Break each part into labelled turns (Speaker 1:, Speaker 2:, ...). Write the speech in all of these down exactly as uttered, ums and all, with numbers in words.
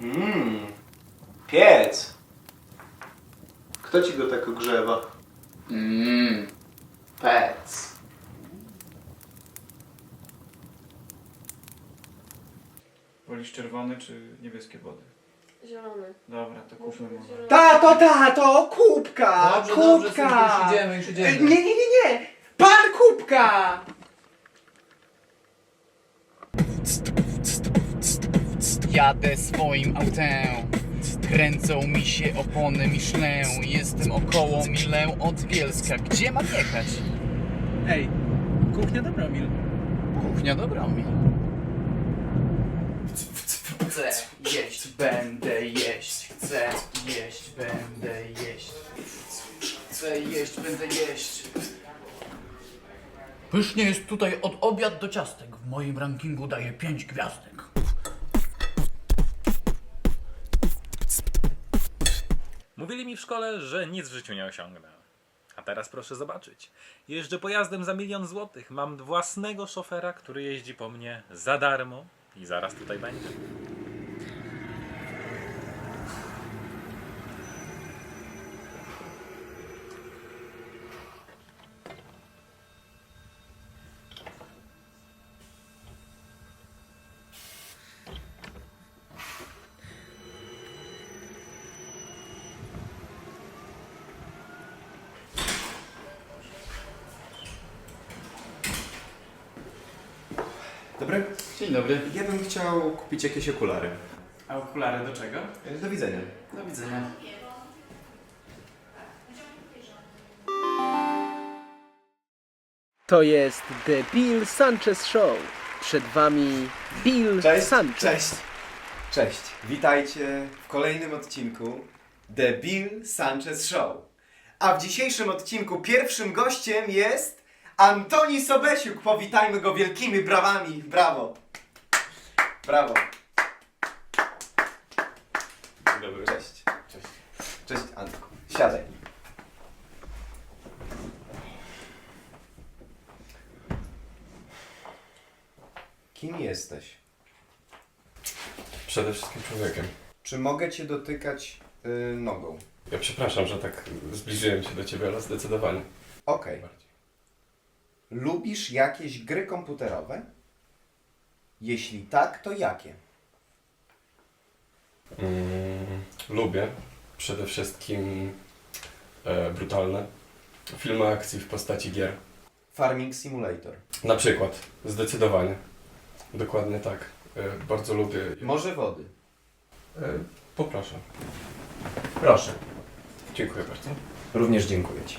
Speaker 1: Mmm, piec. Kto ci go tak ogrzewa?
Speaker 2: Mmm, pec.
Speaker 3: Wolisz czerwone czy niebieskie wody?
Speaker 4: Zielony.
Speaker 3: Dobra, to kupmy mu.
Speaker 4: Zielony.
Speaker 1: Tato, tato, kubka!
Speaker 2: Dobrze, dobrze,
Speaker 1: kubka!
Speaker 2: synku, już idziemy, już idziemy.
Speaker 1: Nie, nie, nie, nie! Pan kubka!
Speaker 2: Jadę swoim autem, kręcą mi się opony Michelin. Jestem około milę od Bielska. Gdzie mam jechać?
Speaker 5: Ej, kuchnia Dobromil.
Speaker 2: Kuchnia Dobromil. Chcę jeść, będę jeść. Chcę jeść, będę jeść. Chcę jeść, będę jeść. Pysznie jest tutaj od obiad do ciastek. W moim rankingu daję pięć gwiazdek.
Speaker 6: Mówili mi w szkole, że nic w życiu nie osiągnę. A teraz proszę zobaczyć. Jeżdżę pojazdem za milion złotych. Mam własnego szofera, który jeździ po mnie za darmo i zaraz tutaj będzie.
Speaker 1: Dobry.
Speaker 2: Dzień dobry.
Speaker 1: Ja bym chciał kupić jakieś okulary.
Speaker 3: A okulary do czego?
Speaker 1: Do widzenia.
Speaker 2: Do widzenia.
Speaker 7: To jest The Bill Sanchez Show. Przed wami Bill
Speaker 1: Cześć,
Speaker 7: Sanchez.
Speaker 1: cześć. Cześć. Witajcie w kolejnym odcinku The Bill Sanchez Show. A w dzisiejszym odcinku pierwszym gościem jest Antoni Sobesiuk. Powitajmy go wielkimi brawami. Brawo. Brawo. Dzień dobry. Cześć. Cześć. Cześć, Antku. Siadaj. Kim jesteś?
Speaker 8: Przede wszystkim człowiekiem.
Speaker 1: Czy mogę cię dotykać yy, nogą?
Speaker 8: Ja przepraszam, że tak zbliżyłem się do ciebie, ale zdecydowanie.
Speaker 1: Okej.
Speaker 8: Bardziej.
Speaker 1: Lubisz jakieś gry komputerowe? Jeśli tak, to jakie?
Speaker 8: Mm, lubię przede wszystkim e, brutalne filmy akcji w postaci gier.
Speaker 1: Farming Simulator.
Speaker 8: Na przykład, zdecydowanie. Dokładnie tak. E, bardzo lubię.
Speaker 1: Morze wody.
Speaker 8: E, poproszę.
Speaker 1: Proszę.
Speaker 8: Dziękuję bardzo.
Speaker 1: Również dziękuję ci.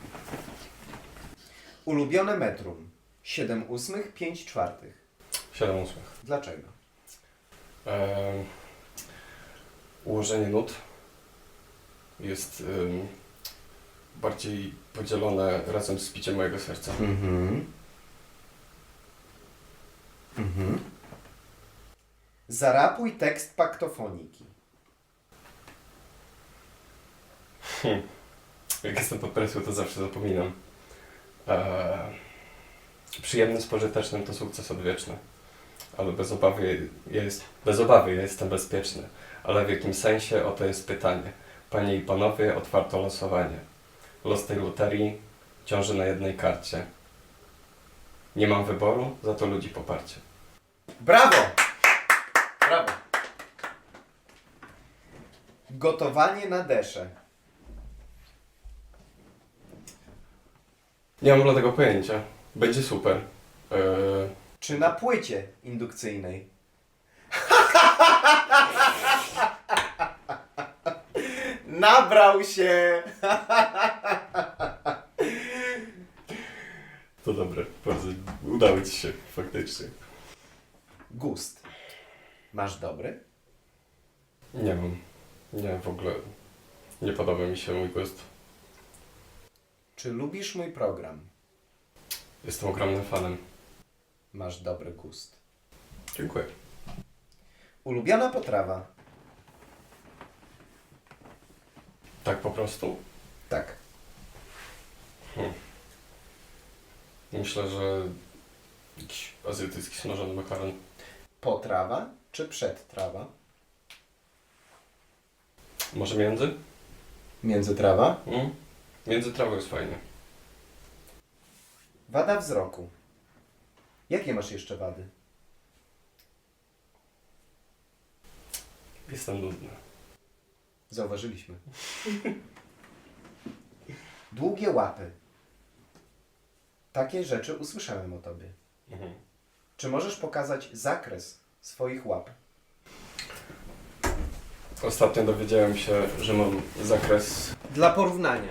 Speaker 1: Ulubione metrum. siedem ósmych, pięć czwartych.
Speaker 8: siedem ósmych.
Speaker 1: Dlaczego?
Speaker 8: E, ułożenie nut jest ym, bardziej podzielone razem z biciem mojego serca.
Speaker 1: Mhm. Mhm. Zarapuj tekst paktofoniki.
Speaker 8: Hmm. Jak jestem pod presją, to zawsze zapominam. Eee, przyjemnym z pożytecznym to sukces odwieczny. Ale bez obawy, ja jest, bez obawy ja jestem bezpieczny. Ale w jakim sensie? Oto jest pytanie. Panie i panowie, otwarto losowanie. Los tej loterii ciąży na jednej karcie. Nie mam wyboru, za to ludzi poparcie.
Speaker 1: Brawo! Brawo! Gotowanie na deszę.
Speaker 8: Nie mam żadnego pojęcia. Będzie super. Eee,
Speaker 1: Czy na płycie indukcyjnej? Nabrał się!
Speaker 8: to dobre. Bardzo udało ci się faktycznie.
Speaker 1: Gust. Masz dobry?
Speaker 8: Nie mam. Nie, w ogóle nie podoba mi się mój gust.
Speaker 1: Czy lubisz mój program?
Speaker 8: Jestem ogromnym fanem.
Speaker 1: Masz dobry gust.
Speaker 8: Dziękuję.
Speaker 1: Ulubiona potrawa?
Speaker 8: Tak po prostu?
Speaker 1: Tak.
Speaker 8: Hmm. Myślę, że jakiś azjatycki smażony makaron.
Speaker 1: Potrawa czy przedtrawa?
Speaker 8: Może między?
Speaker 1: Między trawa.
Speaker 8: Mm? Między trawą jest fajnie.
Speaker 1: Wada wzroku. Jakie masz jeszcze wady?
Speaker 8: Jestem nudny.
Speaker 1: Zauważyliśmy. Długie łapy. Takie rzeczy usłyszałem o tobie.
Speaker 8: Mhm.
Speaker 1: Czy możesz pokazać zakres swoich łap?
Speaker 8: Ostatnio dowiedziałem się, że mam zakres...
Speaker 1: Dla porównania.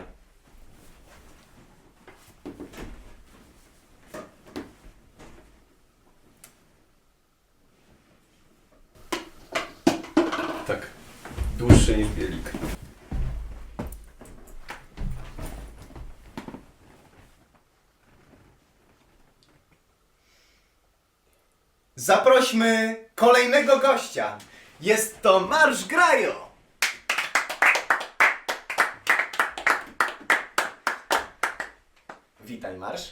Speaker 8: Tak. Dłuższy niż bielik.
Speaker 1: Zaprośmy kolejnego gościa. Jest to Marsz Grajo. Witaj, Marsz.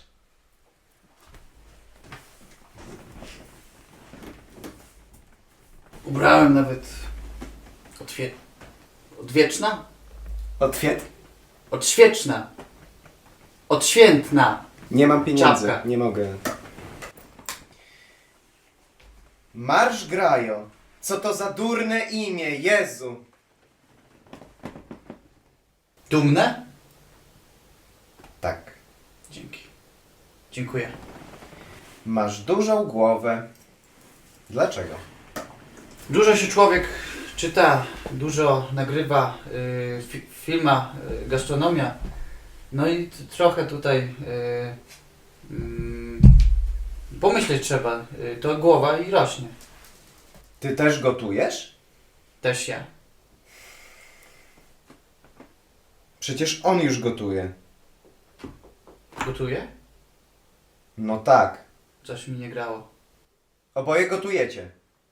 Speaker 2: Ubrałem nawet odwie... odwieczna?
Speaker 1: Otwiet.
Speaker 2: Odświeczna. Odświętna.
Speaker 1: Nie mam pieniędzy,
Speaker 2: Czapka.
Speaker 1: nie mogę. Marsz Grajo. Co to za durne imię, Jezu.
Speaker 2: Dumne?
Speaker 1: Tak.
Speaker 2: Dzięki. Dziękuję.
Speaker 1: Masz dużą głowę. Dlaczego?
Speaker 2: Dużo się człowiek czyta, dużo nagrywa, y, fi, filma, y, gastronomia. No i t- trochę tutaj y, mm, pomyśleć trzeba. Y, to głowa i rośnie.
Speaker 1: Ty też gotujesz?
Speaker 2: Też ja.
Speaker 1: Przecież on już gotuje.
Speaker 2: Gotuję?
Speaker 1: No tak.
Speaker 2: Coś mi nie grało.
Speaker 1: Oboje gotujecie.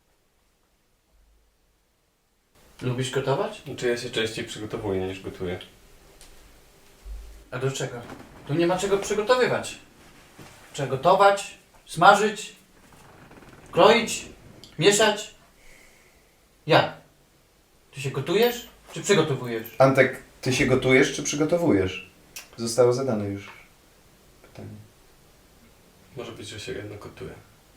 Speaker 2: Lubisz gotować?
Speaker 8: Czy ja się częściej przygotowuję niż gotuję?
Speaker 2: A do czego? Tu nie ma czego przygotowywać. Trzeba gotować, smażyć, kroić, mieszać. Jak? Ty się gotujesz, czy przygotowujesz?
Speaker 1: Antek, ty się gotujesz czy przygotowujesz? Zostało zadane już pytanie.
Speaker 8: Może być, że się jedno gotuje.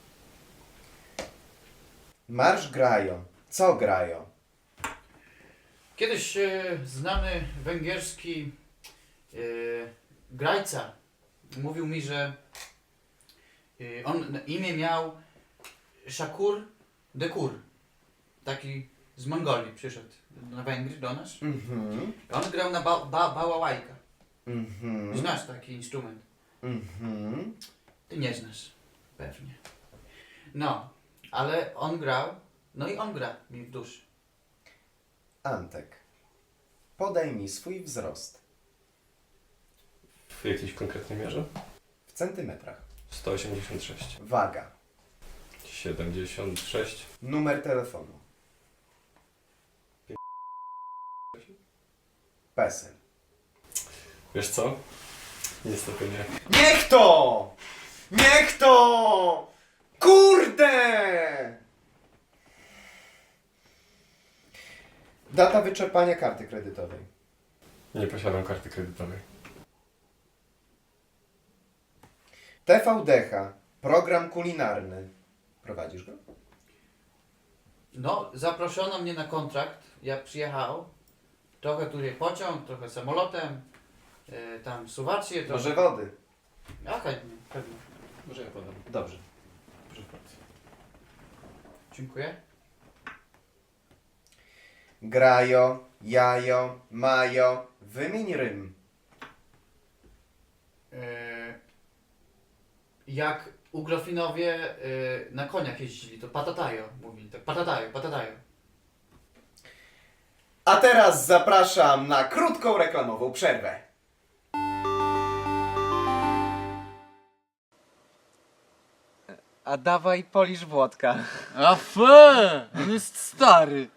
Speaker 1: Marsz Grajo. Co Grajo?
Speaker 2: Kiedyś e, znany węgierski e, grajca mówił mi, że e, on na imię miał Shakur Dekur. Taki z Mongolii przyszedł na Węgry do nas.
Speaker 1: Mhm.
Speaker 2: On grał na ba ba bałałajka.
Speaker 1: Mhm.
Speaker 2: Znasz taki instrument?
Speaker 1: Mhm.
Speaker 2: Ty nie znasz. Pewnie. No, ale on grał, no i on gra mi w duszy.
Speaker 1: Antek. Podaj mi swój wzrost.
Speaker 8: W jakiejś konkretnej mierze?
Speaker 1: W centymetrach.
Speaker 8: sto osiemdziesiąt sześć.
Speaker 1: Waga.
Speaker 8: siedemdziesiąt sześć.
Speaker 1: Numer telefonu. PESEL.
Speaker 8: Wiesz co? Niestety nie.
Speaker 1: Niech to! Niech to! Kurde! Data wyczerpania karty kredytowej.
Speaker 8: Nie posiadam karty kredytowej.
Speaker 1: T V D H. Program kulinarny. Prowadzisz go?
Speaker 2: No, zaproszono mnie na kontrakt, jak przyjechał. Trochę tu jest pociąg, trochę samolotem, yy, tam suwacje, trochę...
Speaker 1: Może wody.
Speaker 2: A chętnie, pewnie.
Speaker 8: Może ja podam.
Speaker 1: Dobrze.
Speaker 8: Proszę bardzo.
Speaker 2: Dziękuję.
Speaker 1: Grajo, jajo, majo. Wymień rym.
Speaker 2: Yy, jak Ugrofinowie yy, na koniach jeździli, to patatajo mówili, tak patatajo, patatajo.
Speaker 1: A teraz zapraszam na krótką reklamową przerwę.
Speaker 4: A dawaj polisz Włodka.
Speaker 5: A fe! On jest stary.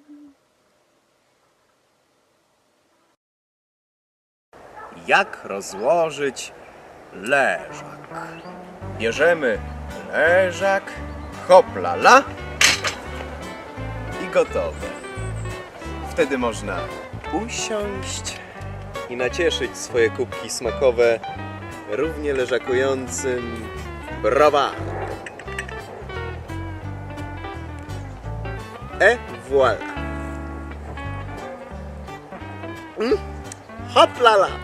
Speaker 9: Jak rozłożyć leżak? Bierzemy leżak, hoplala i gotowe. Wtedy można usiąść i nacieszyć swoje kubki smakowe równie leżakującym browarem. Et voilà. Mm. Hop la la.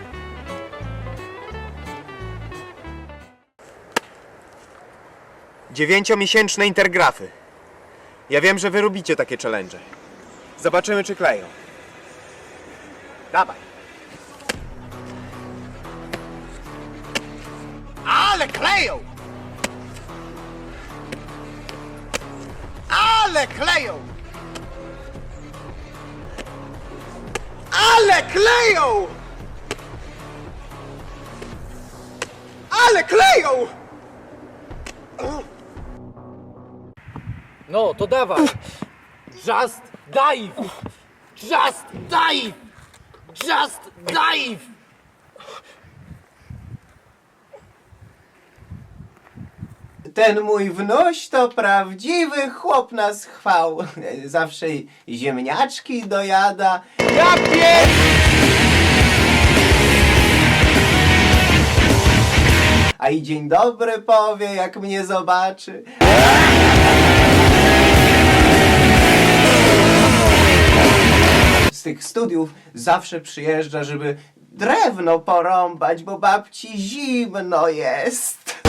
Speaker 9: Dziewięciomiesięczne intergrafy. Ja wiem, że wy lubicie takie challenge. Zobaczymy, czy kleją. Dawaj. Ale kleją! Ale kleją! Ale kleją! Ale kleją!
Speaker 5: No, to dawaj. Just dive! Just dive! Just dive!
Speaker 7: Ten mój wnuś to prawdziwy chłop na schwał. Zawsze ziemniaczki dojada. Ja pier... A i dzień dobry powie, jak mnie zobaczy. Z tych studiów zawsze przyjeżdża, żeby drewno porąbać, bo babci zimno jest.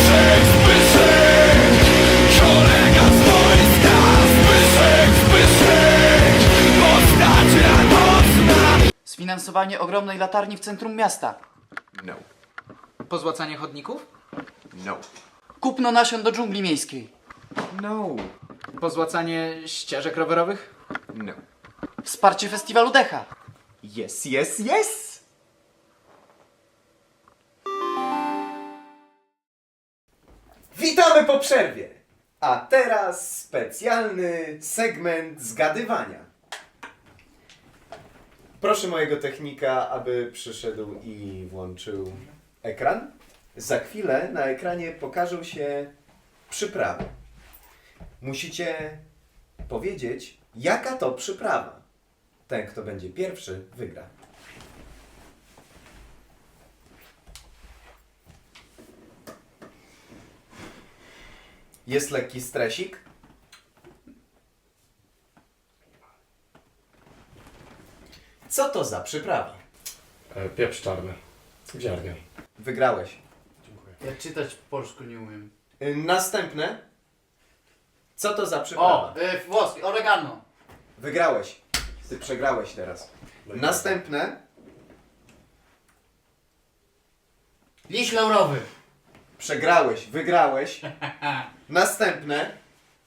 Speaker 2: Sfinansowanie ogromnej latarni w centrum miasta.
Speaker 9: No,
Speaker 4: Pozłacanie chodników?
Speaker 9: no,
Speaker 2: Kupno nasion do dżungli miejskiej.
Speaker 9: no,
Speaker 4: Pozłacanie ścieżek rowerowych?
Speaker 9: no.
Speaker 2: Wsparcie festiwalu Decha.
Speaker 9: Yes, yes, yes!
Speaker 1: Witamy po przerwie! A teraz specjalny segment zgadywania. Proszę mojego technika, aby przyszedł i włączył ekran. Za chwilę na ekranie pokażą się przyprawy. Musicie powiedzieć, jaka to przyprawa. Ten, kto będzie pierwszy, wygra. Jest lekki stresik. Co to za przyprawa?
Speaker 8: E, pieprz czarny. W ziarnie.
Speaker 1: Wygrałeś.
Speaker 2: Ja czytać po polsku nie umiem.
Speaker 1: Y, Następne. Co to za przyprawa?
Speaker 2: O, y, włoski, oregano.
Speaker 1: Wygrałeś. Ty przegrałeś teraz. Następne.
Speaker 2: Liść laurowy.
Speaker 1: Przegrałeś. Wygrałeś. Następne.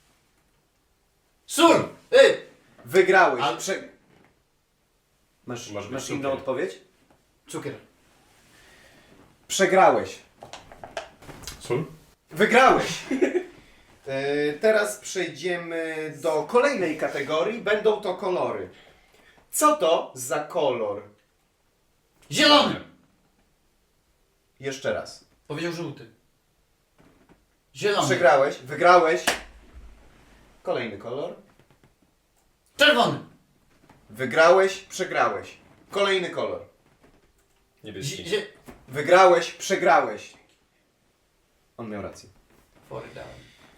Speaker 2: Sól! Y!
Speaker 1: Wygrałeś.
Speaker 2: Ale-
Speaker 1: Prze... Masz,
Speaker 8: Może być
Speaker 1: masz inną
Speaker 8: cukier.
Speaker 1: odpowiedź?
Speaker 2: Cukier.
Speaker 1: Przegrałeś.
Speaker 8: Sól?
Speaker 1: Wygrałeś. E, teraz przejdziemy do kolejnej kategorii. Będą to kolory. Co to za kolor?
Speaker 2: Zielony!
Speaker 1: Jeszcze raz.
Speaker 2: Powiedział żółty. Zielony.
Speaker 1: Przegrałeś. Wygrałeś. Kolejny kolor.
Speaker 2: Czerwony.
Speaker 1: Wygrałeś. Przegrałeś. Kolejny kolor.
Speaker 8: Niebieski.
Speaker 2: Zie-
Speaker 1: Wygrałeś. Przegrałeś. On miał rację.
Speaker 2: Fory dałem.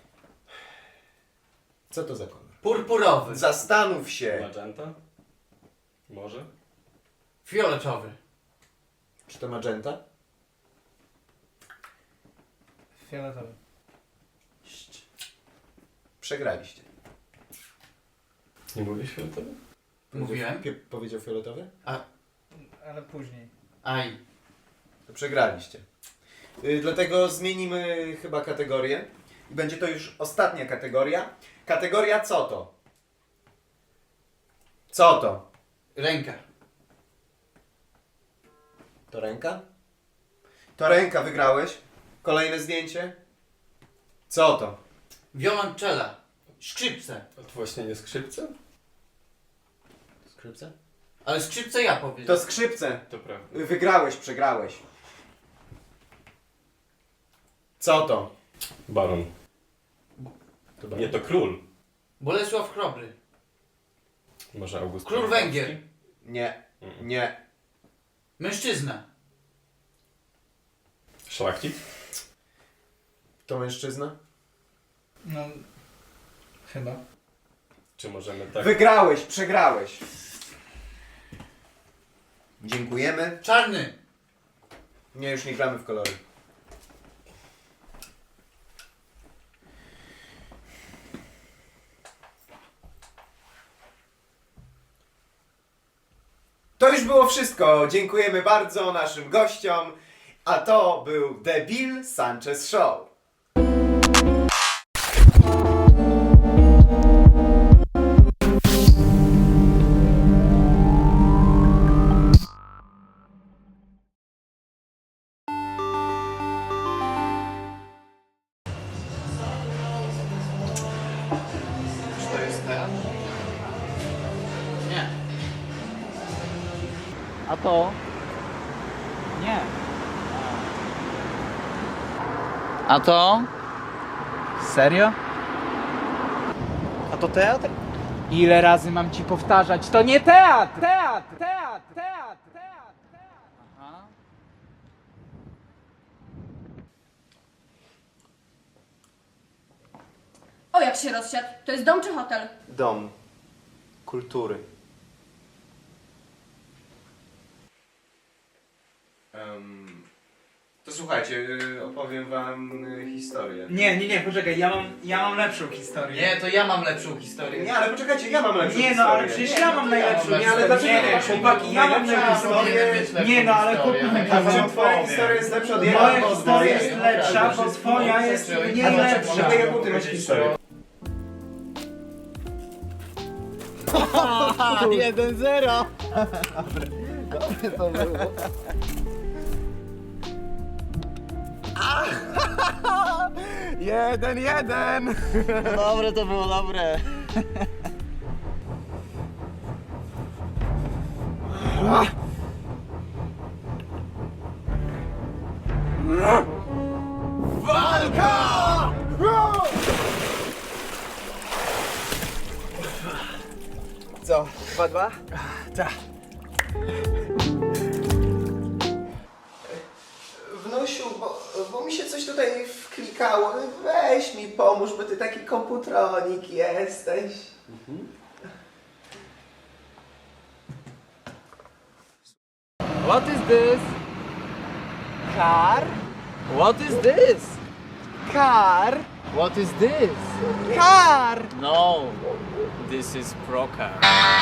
Speaker 1: Co to za kolor?
Speaker 2: Purpurowy.
Speaker 1: Zastanów się.
Speaker 8: Magenta? Może?
Speaker 2: Fioletowy.
Speaker 1: Czy to magenta?
Speaker 5: Fioletowy.
Speaker 1: Przegraliście.
Speaker 8: Nie mówisz fioletowy?
Speaker 2: Mówiłem.
Speaker 1: Pie- powiedział fioletowy?
Speaker 5: Ale później.
Speaker 2: Aj.
Speaker 1: To przegraliście. Y, dlatego zmienimy chyba kategorię. I będzie to już ostatnia kategoria. Kategoria co to? Co to?
Speaker 2: Ręka.
Speaker 1: To ręka? To ręka, wygrałeś. Kolejne zdjęcie. Co to?
Speaker 2: Wiolonczela. Skrzypce.
Speaker 8: A to właśnie nie skrzypce?
Speaker 1: Skrzypce?
Speaker 2: Ale skrzypce ja
Speaker 1: To
Speaker 2: powiedziałem.
Speaker 1: skrzypce.
Speaker 8: To prawda.
Speaker 1: Wygrałeś, przegrałeś. Co to?
Speaker 8: Baron.
Speaker 1: To
Speaker 8: Nie, to król.
Speaker 2: Bolesław Chrobry.
Speaker 8: Może August
Speaker 2: Król
Speaker 8: Czartoryski?
Speaker 2: Węgier.
Speaker 1: Nie. Nie.
Speaker 2: Mężczyzna.
Speaker 8: Szlachcic?
Speaker 1: To mężczyzna?
Speaker 5: No, chyba.
Speaker 8: Czy możemy tak...
Speaker 1: Wygrałeś, przegrałeś. Dziękujemy.
Speaker 2: Czarny.
Speaker 1: Nie, już nie gramy w kolory. To już było wszystko. Dziękujemy bardzo naszym gościom. A to był The Bill Sanchez Show.
Speaker 2: Czy to jest teatr? Nie.
Speaker 5: A to? Nie. A to?
Speaker 4: Serio?
Speaker 5: A to teatr?
Speaker 4: Ile razy mam ci powtarzać? To nie teatr! Teatr! Teatr! Teatr! Teatr!
Speaker 5: Aha.
Speaker 10: O, jak się rozsiadł. To jest dom czy hotel?
Speaker 1: Dom kultury. Um, to słuchajcie, y, opowiem wam y, historię.
Speaker 4: Nie, nie, nie, poczekaj, ja mam, ja mam lepszą historię.
Speaker 2: Nie, to ja mam lepszą historię.
Speaker 1: Nie, ale poczekajcie, ja mam lepszą
Speaker 4: Nie no, ale
Speaker 1: historię.
Speaker 4: przecież ja mam najlepszą
Speaker 2: Nie, ale
Speaker 4: historię.
Speaker 1: dlaczego
Speaker 4: Nie,
Speaker 1: to
Speaker 4: nie,
Speaker 1: masz
Speaker 4: chłopaki, ja mam
Speaker 1: najlepszą
Speaker 4: najlepszą
Speaker 1: historię?
Speaker 4: historię. Nie no, ale chłopaki,
Speaker 1: A czym twoja historia jest lepsza od
Speaker 4: moja
Speaker 1: jego?
Speaker 4: historia jest lepsza, bo twoja jest mniej lepsza.
Speaker 1: A jaką ty masz historię?
Speaker 5: jeden zero.
Speaker 1: Jeden, jeden!
Speaker 5: Dobre to było, dobre.
Speaker 7: Co? Dwa, dwa?
Speaker 1: Wnusiu, bo, bo mi się coś tutaj wklikało. Weź mi pomóż, bo ty taki komputronik jesteś.
Speaker 5: What is this? Car? What is this?
Speaker 7: Car!
Speaker 5: What is this?
Speaker 7: Car!
Speaker 5: No, this is Procar.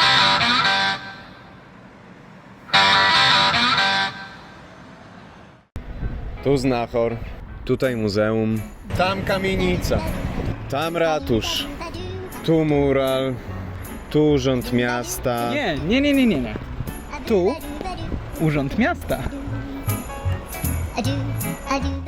Speaker 9: Tu znachor, tutaj muzeum, tam kamienica, tam ratusz, tu mural, tu urząd miasta.
Speaker 4: Nie, nie, nie, nie, nie, nie. Tu Urząd Miasta.
Speaker 11: Adieu, adieu.